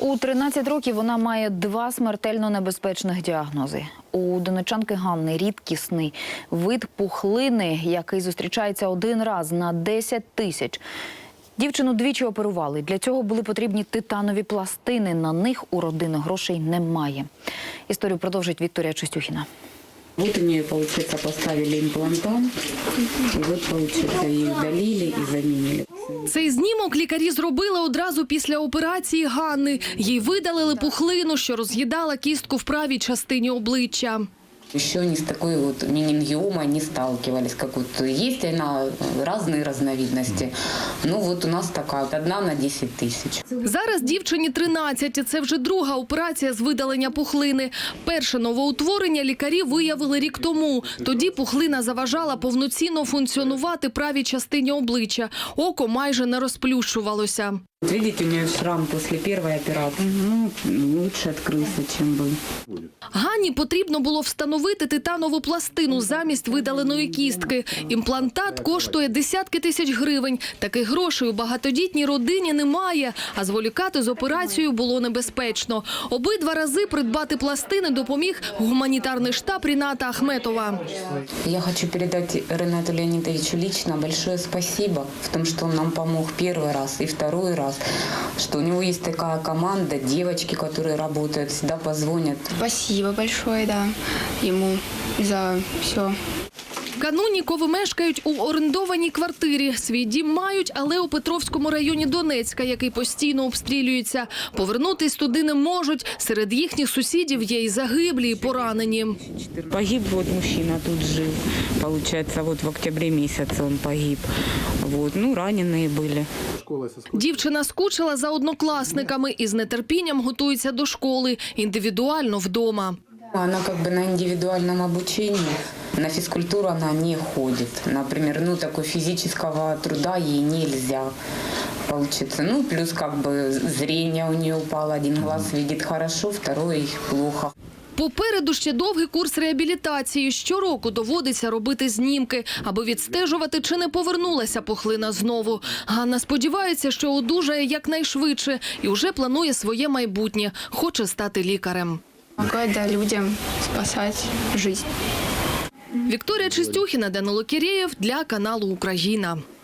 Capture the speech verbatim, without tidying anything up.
У тринадцять років вона має два смертельно небезпечних діагнози. У донеччанки Ганни рідкісний вид пухлини, який зустрічається один раз на десять тисяч. Дівчину двічі оперували. Для цього були потрібні титанові пластини. На них у родини грошей немає. Історію продовжить Вікторія Чистюхіна. Вот у нее, получается, поставили имплантант, и вот, получается, ее удалили и заменили. Цей знімок лікарі зробили одразу після операції Ганни. Їй видалили пухлину, що роз'їдала кістку в правій частині обличчя. Еще не с такой вот менингиомой не сталкивались, как вот есть она, разные разновидности. Ну вот у нас такая, одна на десять тысяч. Зараз дівчині тринадцять, і це вже друга операція з видалення пухлини. Перше новоутворення лікарі виявили рік тому. Тоді пухлина заважала повноцінно функціонувати правій частині обличчя. Око майже не розплющувалося. Вот видите, у нее шрам после первой операции. Ну, лучше открылся, чем был. Ганні потрібно було встановити титанову пластину замість видаленої кістки. Імплантат коштує десятки тисяч гривень. Таких грошей у багатодітній родині немає, а зволікати з операцією було небезпечно. Обидва рази придбати пластини допоміг гуманітарний штаб Ріната Ахметова. Я хочу передать Ренату Леонидовичу лично большое спасибо в том, что он нам помог первый раз и второй раз. Что у него есть такая команда, девочки, которые работают, всегда позвонят. Спасибо большое, да, ему за все. Канунікови мешкають у орендованій квартирі. Свій дім мають, але у Петровському районі Донецька, який постійно обстрілюється. Повернутись туди не можуть. Серед їхніх сусідів є і загиблі, і поранені. Погиб вот мужчина, тут жил. Получается, вот в октябре месяце он погиб. Вот, ну, раненые были. Дівчина скучила за однокласниками і з нетерпінням готується до школи, індивідуально вдома. Она как бы на индивидуальном обучении, на физкультуру она не ходит. Например, ну, такой физического труда ей нельзя. Получится. Ну, плюс как бы зрение у нее упало. Один глаз видит хорошо, второй плохо. Попереду ще довгий курс реабілітації. Щороку доводиться робити знімки, аби відстежувати, чи не повернулася пухлина знову. Ганна сподівається, що одужає якнайшвидше і вже планує своє майбутнє. Хоче стати лікарем. Помогать, да, людям спасать жизнь. Вікторія Чистюхіна, Данило Кірєєв для каналу «Україна».